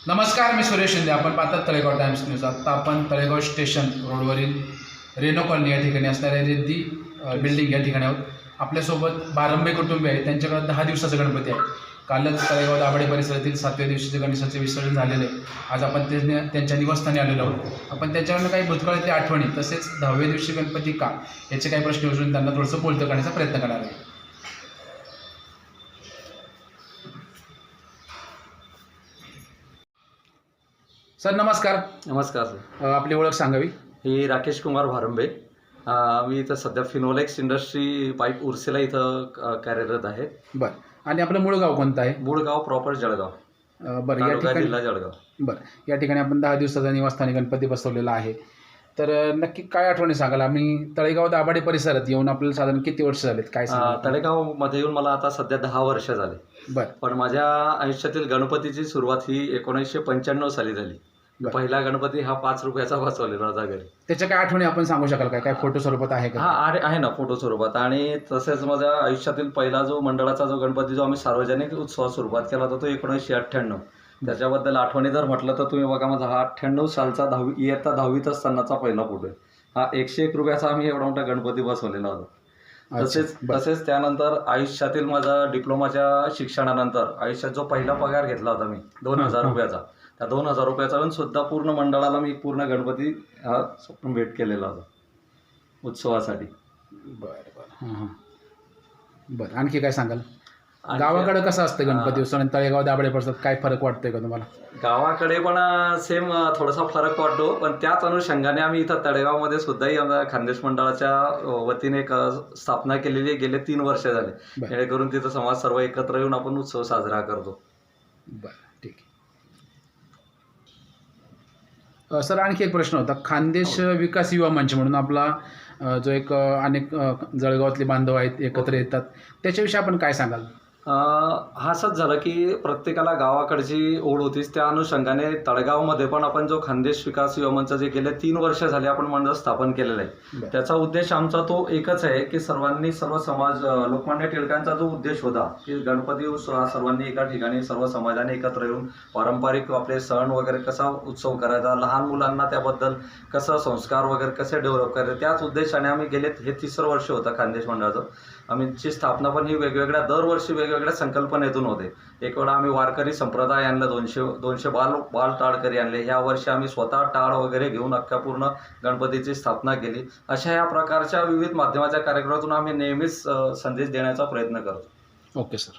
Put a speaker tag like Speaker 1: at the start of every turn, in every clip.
Speaker 1: नमस्कार, मी सुरेश शिंदे. आपण पाहतात तळेगाव टाइम्स न्यूज. आत्ता आपण तळेगाव स्टेशन रोडवरील रेनो कॉलनी या ठिकाणी असणाऱ्या रेद्दी बिल्डिंग या ठिकाणी आहोत. आपल्यासोबत बारंबे कुटुंबी आहे. त्यांच्याकडे 10 दिवसाचा गणपती आहे. कालच तळेगाव दाभाडे परिसरातील 7व्या दिवशीचे गणेशाचे विसर्जन झालेले आहे. आज आपण त्यांच्या निवासस्थानी आलेलो आहोत. आपण त्याच्यावरनं काही भूतकाळातल्या आठवणी तसेच 10व्या दिवशी गणपती का याचे काही प्रश्न विचारून त्यांना थोडंसं बोलतं करण्याचा प्रयत्न करणार आहे. सर नमस्कार.
Speaker 2: नमस्कार सर.
Speaker 1: आपली ओळख सांगावी.
Speaker 2: ही राकेश कुमार भारंबे. मी इथं सध्या फिनोलेक्स इंडस्ट्री पाईप उर्सेला इथं कार्यरत आहे.
Speaker 1: बरं. आणि आपलं मूळ गाव कोणतं आहे?
Speaker 2: मूळ गाव प्रॉपर जळगाव.
Speaker 1: बरं. या
Speaker 2: तालुका
Speaker 1: ठिकाणी
Speaker 2: जिल्हा जळगाव.
Speaker 1: बरं. या ठिकाणी आपण 10 दिवसाचा निवासस्थानी गणपती बसवलेला आहे. तर नक्की काय आठवणी सांगाल? आम्ही तळेगाव दाभाडे परिसरात येऊन आपल्याला साधारण किती वर्ष झालेत काय सांगाल?
Speaker 2: तळेगावमध्ये येऊन मला आता सध्या 10 वर्ष झाले.
Speaker 1: बरं.
Speaker 2: पण माझ्या आयुष्यातील गणपतीची सुरुवात ही 1995 साली झाली.
Speaker 1: बरं.
Speaker 2: पहिला गणपती हा 5 रुपयाचा बसवलेला होता घरी.
Speaker 1: त्याच्या काय आठवणी आपण सांगू शकाल काय? काय फोटो स्वरूपात आहे का?
Speaker 2: हा आहे ना फोटो स्वरूपात. आणि तसेच माझ्या आयुष्यातील पहिला जो मंडळाचा जो गणपती जो आम्ही सार्वजनिक उत्सवात सुरुवात केला होता तो 1998. त्याच्याबद्दल आठवणी जर म्हटलं तर तुम्ही बघा, माझा हा 98 सालचा इयत्ता 10वीत असतानाचा पहिला फोटो आहे. हा 101 रुपयाचा आम्ही एवढा मोठा गणपती बसवलेला होता. तसेच त्यानंतर आयुष्यातील माझा डिप्लोमाच्या शिक्षणानंतर आयुष्यात जो पहिला पगार घेतला होता मी 2000 रुपयाचा, त्या 2000 रुपयाचा पण सुद्धा पूर्ण मंडळाला मी पूर्ण गणपती हा भेट केलेला होता उत्सवासाठी.
Speaker 1: बरं बरं. हां. बरं. आणखी काय सांगाल? गावाकडे कसं असतं गणपती उत्सव आणि तळेगाव दाभाडे परिसरात काय फरक वाटतोय का तुम्हाला?
Speaker 2: गावाकडे पण सेम थोडासा फरक वाटतो, पण त्याच अनुषंगाने आम्ही इथं तळेगावमध्ये सुद्धाही आमच्या खानदेश मंडळाच्या वतीने एक स्थापना केलेली आहे. गेले 3 वर्ष झाले. जेणेकरून तिथं समाज सर्व एकत्र येऊन आपण उत्सव साजरा करतो.
Speaker 1: बरं. ठीक आहे. सर आणखी एक प्रश्न होता. खानदेश विकास युवा मंच म्हणून आपला जो एक अनेक जळगावातले बांधव आहेत एकत्र येतात, त्याच्याविषयी आपण काय सांगाल?
Speaker 2: असंच झालं की प्रत्येकाला गावाकडची ओढ होतीच. त्या अनुषंगाने तळेगावमध्ये पण आपण जो खानदेश विकास युवा मंच जे गेले 3 वर्ष झाले आपण मंडळ स्थापन केलेलं आहे. त्याचा उद्देश आमचा तो एकच आहे की सर्व समाज, लोकमान्य टिळकांचा जो उद्देश होता की गणपती उत्सव सर्वांनी एका ठिकाणी सर्व समाजाने एकत्र येऊन पारंपरिक आपले सण वगैरे कसा उत्सव करायचा, लहान मुलांना त्याबद्दल कसं संस्कार वगैरे कसे डेव्हलप करायचे, त्याच उद्देशाने आम्ही गेले हे 3रं वर्ष होतं खानदेश मंडळाचं. आमची स्थापना पण ही दरवर्षी वेगवेगळ्या संकल्पनेतून होते. एक वेळा आम्ही वारकरी संप्रदाय आणला, 200 बाल टाळकरी आणले. ह्या वर्षी आम्ही स्वतः टाळ वगैरे घेऊन अख्ख्या पूर्ण गणपतीची स्थापना केली. अशा या प्रकारच्या विविध माध्यमाच्या कार्यक्रमातून आम्ही नेहमीच संदेश देण्याचा प्रयत्न करतो.
Speaker 1: Okay sir.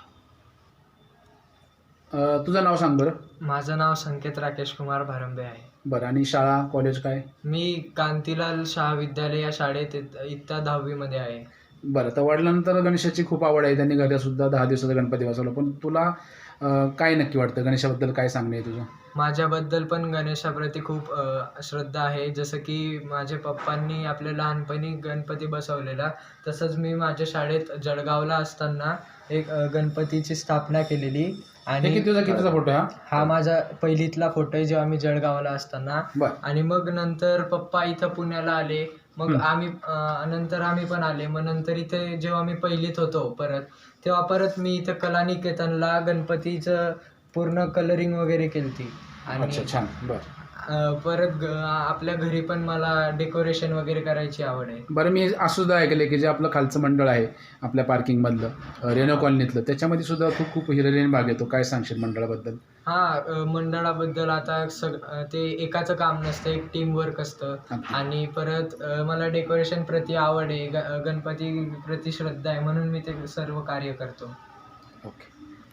Speaker 1: तुझं नाव सांग बरं.
Speaker 3: माझं नाव संकेत राकेश कुमार भारंबे आहे.
Speaker 1: बरं. आणि शाळा कॉलेज काय?
Speaker 3: मी कांतीलाल शाह विद्यालय या शाळेत इयत्ता 10वी मध्ये आहे.
Speaker 1: बरं. तर वडिलांनंतर गणेशाची खूप आवड आहे. त्यांनी घरी सुद्धा 10 दिवसाचा गणपती बसवला. पण तुला काय नक्की वाटतं? गणेशाबद्दल काय सांगणं आहे तुझं?
Speaker 3: माझ्याबद्दल पण गणेशाप्रती खूप श्रद्धा आहे. जसं की माझ्या पप्पांनी आपल्या लहानपणी गणपती बसवलेला, तसंच मी माझ्या शाळेत जळगावला असताना एक गणपतीची स्थापना केलेली. आणि
Speaker 1: कितीचा फोटो आहे
Speaker 3: हा माझा पहिलीतला फोटो आहे जेव्हा मी जळगावला असताना. आणि मग नंतर पप्पा इथं पुण्याला आले, मग नंतर आम्ही पण आले. मग नंतर इथे जेव्हा मी पहिलीत होतो तेव्हा परत मी इथं कलानिकेतनला गणपतीचं पूर्ण कलरिंग वगैरे केलती. आणि
Speaker 1: छान. बरं.
Speaker 3: परत आपल्या घरी पण मला डेकोरेशन वगैरे करायची आवड आहे.
Speaker 1: बरं. मी असं सुद्धा ऐकलं की जे आपलं खालचं मंडळ आहे आपल्या पार्किंगमधलं रेनो कॉलनीतलं, त्याच्यामध्ये सुद्धा खूप हिरलेन भाग येतो. काय सांगशील मंडळाबद्दल?
Speaker 3: मंडळाबद्दल आता ते एकाचं काम नसतं, एक टीम वर्क असतं. आणि परत मला डेकोरेशन प्रति आवड आहे, गणपती प्रति श्रद्धा आहे, म्हणून मी ते सर्व कार्य करतो.
Speaker 1: ओके.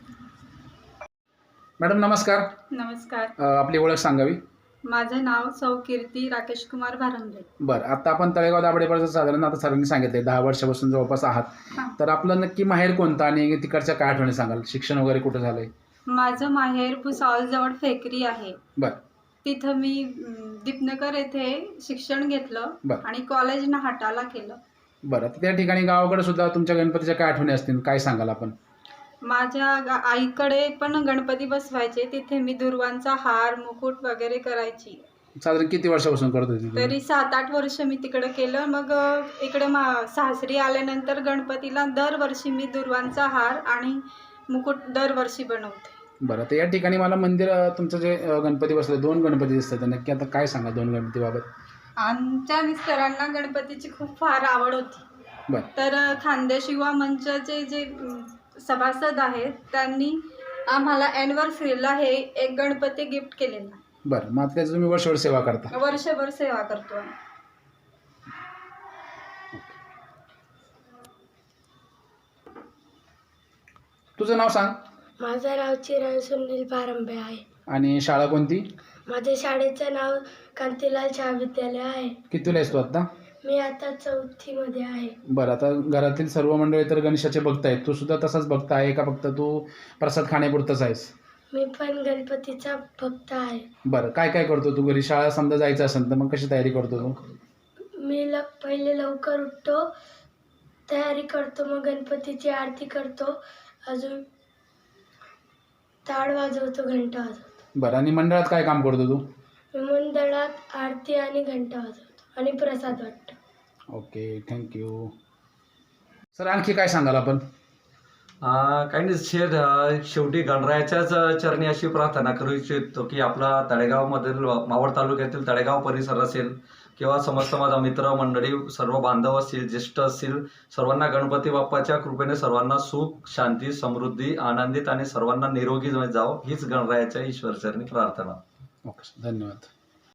Speaker 1: मॅडम नमस्कार.
Speaker 4: नमस्कार.
Speaker 1: आपली ओळख सांगावी.
Speaker 4: माझं नाव सौ कीर्ती राकेश कुमार भारंबे.
Speaker 1: बरं. आता आपण तळेगाव दाभाडे परिसरात साधारण आता सरांनी सांगितले 10 वर्षापासून जवळपास आहात. तर आपलं नक्की माहेर कोणतं आणि तिकडच्या काय आठवणी सांगाल? शिक्षण वगैरे कुठं झालंय?
Speaker 4: माझं माहेर भुसावळजवळ फेकरी आहे.
Speaker 1: बरं.
Speaker 4: तिथं मी दीपनगर येथे शिक्षण घेतलं आणि कॉलेज नाहटाला केलं.
Speaker 1: बरं. त्या ठिकाणी गावाकडे सुद्धा तुमच्या गणपतीच्या काय आठवणी असतील, काय सांगाल आपण?
Speaker 4: माझ्या आईकडे पण गणपती बसवायचे. तिथे मी दुर्वांचा हार, मुकुट वगैरे करायची.
Speaker 1: साधारण किती वर्षापासून करत होती?
Speaker 4: तरी 7-8 वर्ष मी तिकडे केलं. मग इकडे सासरी आल्यानंतर गणपतीला दरवर्षी मी दुर्वांचा हार आणि मुकुट दरवर्षी बनवते.
Speaker 1: बरं, तर या ठिकाणी मला मंदिर तुमचं जे गणपती बसले 2 गणपती दिसतात, तर नक्की आता काय सांगा 2 गणपतीबाबत?
Speaker 4: आमच्या मिस्टरांना गणपतीची खूप फार आवड होती.
Speaker 1: बरं.
Speaker 4: तर खानदेश युवा मंचाचे जे सभासद आहेत त्यांनी आम्हाला ॲनिव्हर्सरीला हे एक गणपती गिफ्ट केलेला.
Speaker 1: बरं, मग आता त्याची तुम्ही वर्षभर सेवा करता?
Speaker 4: वर्षभर सेवा करतो आम्ही.
Speaker 1: तुझं नाव सांग
Speaker 5: माझं नाव चिरण सुनील पारंबे आहे.
Speaker 1: आणि शाळा कोणती?
Speaker 5: माझ्या शाळेचं नाव कांतीलाल शाह विद्यालय आहे.
Speaker 1: कितीला आहेस तू आता?
Speaker 5: मी आता 4थीमध्ये आहे.
Speaker 1: बरं, आता घरातील सर्व मंडळी तर गणेशाचे भक्त आहेत, तू सुद्धा तसाच भक्त आहे का फक्त तू प्रसाद खाण्यापुरतंच आहेस?
Speaker 5: मी पण गणपतीचा भक्त आहे.
Speaker 1: बरं, काय काय करतो तू घरी? शाळा समजा जायचं असेल तर मग कशी तयारी करतो तू?
Speaker 5: मी पहिले लवकर उठतो, तयारी करतो, मग गणपतीची आरती करतो, अजून टाळ वाजवतो, घंटा वाजवतो.
Speaker 1: बरं, आणि मंडळात काय काम करतो तू?
Speaker 5: मी मंडळात आरती आणि घंटा वाजवतो आणि प्रसाद वाटतो.
Speaker 1: Okay, thank you. सर, आणखी काय सांगाल आपण?
Speaker 2: काही नाही, शेवटी गणरायाच्याच चरणी अशी प्रार्थना करू इच्छितो की आपला तळेगावमधील मावळ तालुक्यातील तळेगाव परिसर असेल किंवा समस्त माझा मित्र मंडळी, सर्व बांधव असतील, ज्येष्ठ असतील, सर्वांना गणपती बाप्पाच्या कृपेने सर्वांना सुख, शांती, समृद्धी, आनंदित आणि सर्वांना निरोगी जावं हीच गणरायाच्या ईश्वरचरणी प्रार्थना.
Speaker 1: ओके, धन्यवाद.